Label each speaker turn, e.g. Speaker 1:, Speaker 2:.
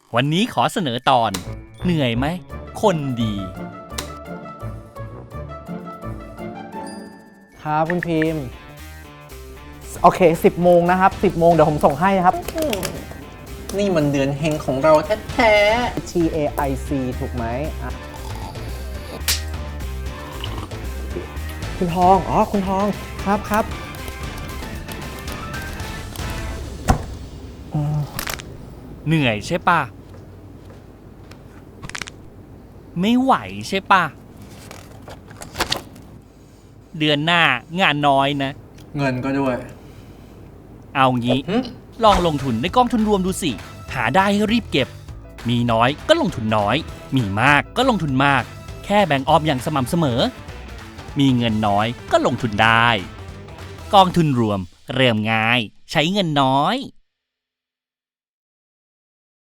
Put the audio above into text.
Speaker 1: วันนี้ขอเสนอตอนเหนื่อยไหมคนดี
Speaker 2: ครับคุณพิมพ์โอเค10 โมงนะครับ10 โมงเดี๋ยวผมส่งให้ครับ
Speaker 3: นี่มันเดือนเฮงของเราแท้
Speaker 2: TAIC ถูกไหมคุณทองคุณทองครับ
Speaker 1: เหนื่อยใช่ปะไม่ไหวใช่ปะเดือนหน้างานน้อยนะ
Speaker 3: เงินก็ด้วย
Speaker 1: เอางี้ลองลงทุนในกองทุนรวมดูสิหาได้ให้รีบเก็บมีน้อยก็ลงทุนน้อยมีมากก็ลงทุนมากแค่แบ่งออมอย่างสม่ำเสมอมีเงินน้อยก็ลงทุนได้กองทุนรวมเริ่มง่ายใช้เงินน้อย